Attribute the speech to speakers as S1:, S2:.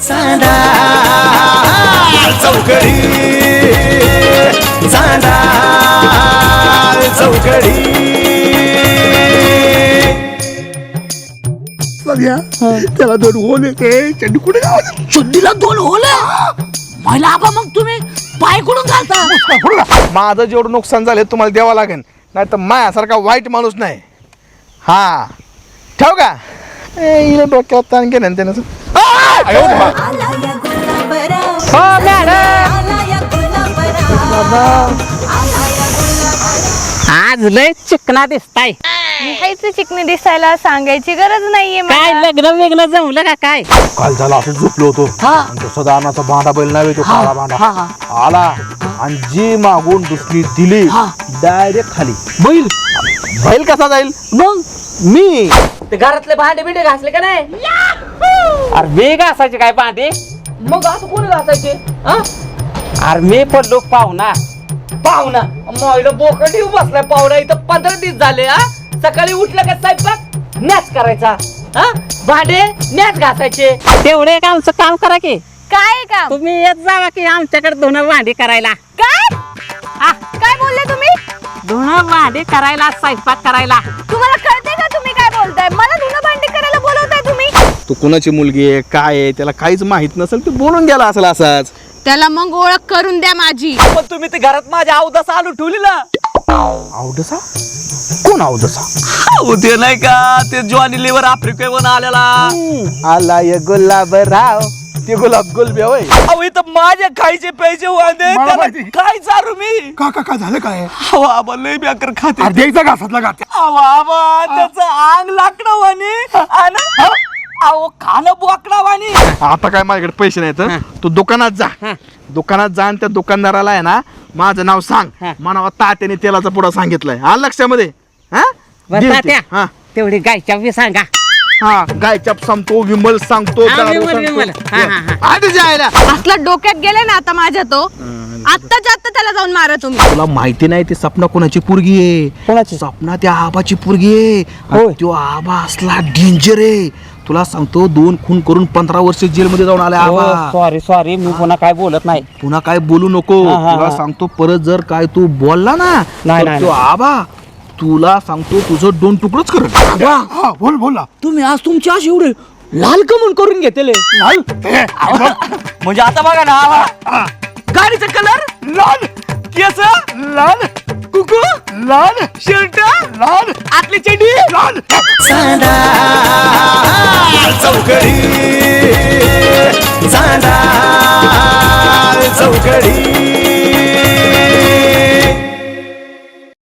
S1: चांदा चौकडी चांदा चौकडी
S2: त्याला 2 होल येते चड्डी कुठे
S3: चड्डीला 2 होल महिला आबा मग तुम्ही पाय कुठून घालता?
S2: माझं जेवढं नुकसान झालं तुम्हाला द्यावं लागेल नाही तर मायासारखा वाईट माणूस नाही. हा ठेव का हिला डोक्यावर ताण केलं त्यानं.
S4: आज लय चिकना दिसताय.
S5: लिहायचं चिकनी दिसायला सांगायची गरज नाहीये
S4: काय
S5: मला.
S4: लग्न वेगळं जमलं का काय?
S2: काल झाला असं झोपलो होतो आणि तो सदानाचा भांडा बैल नाही तो काळा भांडा आला आणि जी मागून दुसरी दिली डायरेक्ट खाली. बैल बैल कसा जाईल
S4: मग
S2: मी
S4: ते घरातले भांडे बिंडे घासले का नाही? अरे मी घासायचे काय भांडे? मग असं कोणी घासायचे? अरे मी पडलो पाहुणा मोबाईल बोकड येऊ बसलाय पाहुणा इथं 15 दिवस झाले. सकाळी उठलं का स्वयंपाक नॅच करायचा, भांडे नॅच घासायचे. तेवढे एक आमचं काम करा की.
S5: काय काम?
S4: तुम्ही येत जावा की आमच्याकडे धुणं भांडी करायला.
S5: काय काय बोलले तुम्ही?
S4: धुणं भांडी करायला, स्वयंपाक करायला.
S5: तुम्हाला कळते का तुम्ही काय बोलताय? मला धुणं भांडी करायला बोलवताय तुम्ही?
S2: तू कुणाची मुलगी आहे काय आहे त्याला काहीच माहित नसेल तू बोलून गेला असेल असाच.
S5: त्याला मग ओळख करून द्या माझी.
S4: पण तुम्ही ते घरात माझ्या अवदास आणू ठेवलेला.
S2: आवडसा कोण आवडसा?
S4: ते नाही का ते जॉनी लिव्हर आफ्रिकेवरून आलेला.
S2: आला ये गुलाबराव ते गुलाब गुलबी होय.
S4: अहो इथं माझे खायचे पैसे वांदे
S2: मला
S4: त्याला
S2: माहिती.
S4: काय चारू मी.
S2: का झालं काय
S4: अहो आबा लय बेकार खाते.
S2: अर्ध्याचा घासातला गात्या.
S4: अहो आबा त्याचं अंग लाकडं वाणी आणि अहो खाणं बोकडा वाणी.
S2: आता काय माझ्याकडे पैसे नाहीत तू दुकानात जा आणि त्या दुकानदाराला आहे ना माझं नाव सांग म्हणावा तात्याने तेलाचा पुडा सांगितलाय हा लक्षामध्ये.
S4: तात्या तेवढी गायच्या बी सांगा.
S2: हा गायचाप सांगतो विमल सांगतो
S4: विमल.
S2: आधी जायला
S5: असला डोक्यात गेले ना आता माझ्या तो. आत्ताच्या आत्ता त्याला जाऊन मारा तुम्ही.
S2: तुला माहिती नाही ती सपना कोणाची पोरगी आहे?
S4: कोणाची?
S2: सपना त्या आबाची पोरगी आहे. आणि तो आबा असला डेंजर आहे तुला सांगतो. 2 खून करून 15 वर्ष जेलमध्ये जाऊन आला आबा.
S4: सॉरी मी पुन्हा काय बोलत नाही.
S2: पुन्हा काय बोलू नको. तुला सांगतो परत जर काय तू बोलला ना तर तो आबा तुला सांगतो तुझं 2 तुकडच करत. बोल
S4: तुम्ही आज तुमची अशी एवढे लाल कमून करून घेतले. म्हणजे आता बघा ना गाडीचा कलर
S2: लाल
S4: केस
S2: लाल
S4: कुकू
S2: लाल
S4: शर्ट
S2: लाल
S4: आतली चड्डी
S2: लाल.
S1: चांदा चौकडी चांदा चौकडी